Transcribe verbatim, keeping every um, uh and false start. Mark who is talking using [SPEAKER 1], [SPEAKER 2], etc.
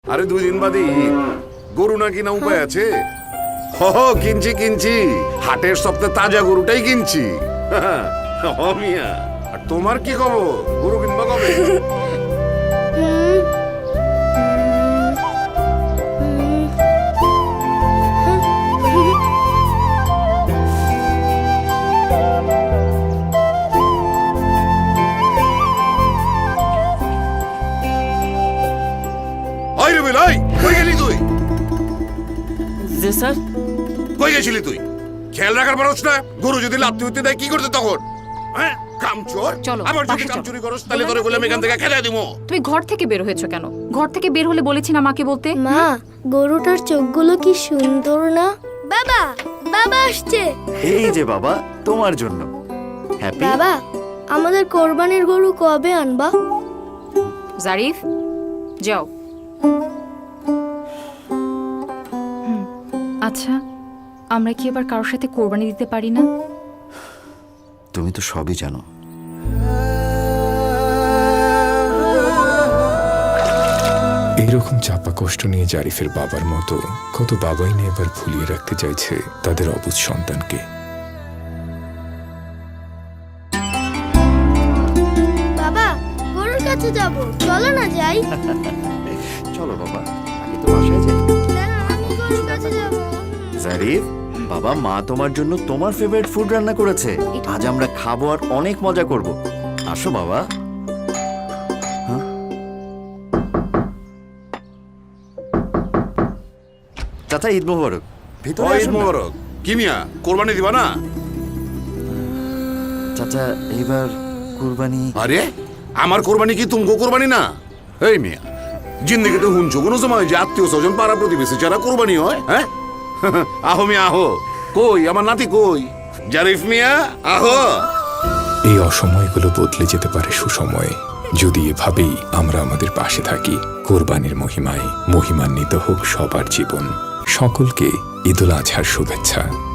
[SPEAKER 1] আরে দুই দিন বাদে ঈদ, গরু না কিনা উপায় আছে? হ কিনছি কিনছি, হাটের সপ্তাহে তাজা গরুটাই কিনছি। হ মিয়া, আর তোমার কি খবর? গরু কিনবা কবে? ওই রবিল, ওই কই গেলি তুই?
[SPEAKER 2] জি স্যার।
[SPEAKER 1] কই গেছিলি তুই? খেয়াল রাখার পারছ না? গরু যদি লাত্তি উঠতে দেয় কি করতে তখন? হ্যাঁ, কামচোর।
[SPEAKER 3] চলো,
[SPEAKER 1] আবার যদি
[SPEAKER 3] বাসে
[SPEAKER 1] কাম
[SPEAKER 3] চলো।
[SPEAKER 1] চুরি করস তাহলে তোরে বলে আমি এখান থেকে খেদাই দিমু।
[SPEAKER 3] তুমি ঘর থেকে বের হয়েছো কেন? ঘর থেকে বের হলে বলেছি না মাকে বলতে?
[SPEAKER 4] মা, গরুটার চোখগুলো কি সুন্দর না? বাবা, বাবা আসছে।
[SPEAKER 5] এই যে বাবা, তোমার জন্য। হ্যাপি?
[SPEAKER 4] বাবা, আমাদের কোরবানির গরু কবে আনবা?
[SPEAKER 3] জারিফ, যাও। হুম, আচ্ছা, আমরা কি এবার কারোর সাথে কোরবানি দিতে পারি না?
[SPEAKER 5] তুমি তো সবই জানো।
[SPEAKER 6] এইরকম চাপা কষ্ট নিয়ে জারিফের বাবার মতো কত বাবাই নিয়ে এবার ভুলিয়ে রাখতে চাইছে তাদের অবুঝ সন্তানকে।
[SPEAKER 4] বাবা, গরুর কাছে যাব, চলো না যাই।
[SPEAKER 5] চলো বাবা, আগে তো বাসায় যাই।
[SPEAKER 4] না, আমি গরুর কাছে যাব।
[SPEAKER 5] জারিফ, বাবা মা তোমার জন্য তোমার ফেভারিট ফুড রান্না করেছে। আজ আমরা খাবো আর অনেক মজা করব। আসো বাবা। হ্যাঁ? চাচা, ঈদ মোবারক। ভিতরে
[SPEAKER 1] ওই ঈদ
[SPEAKER 5] আসুন না।
[SPEAKER 1] মোবারক। কি মিয়া, কোরবানি দিবা না?
[SPEAKER 5] চাচা, এইবার কুরবানি।
[SPEAKER 1] আরে আমার কোরবানি কি তুমকো কোরবানি না? এই মিয়া, জিন্দেগিতে হুনছো কোনো সময় যে আত্মীয় স্বজন পাড়া প্রতিবেশী যারা কোরবানি হয়? হ্যাঁ, আহো মিয়া আহো। কই আমার নাতি কই? জারিফ মিয়া আহো।
[SPEAKER 6] এই অসময়গুলো বদলে যেতে পারে সুসময়ে যদি এভাবেই আমরা আমাদের পাশে থাকি। কোরবানির মহিমায় মহিমান্বিত হোক সবার জীবন। সকলকে ঈদুল আজহার শুভেচ্ছা।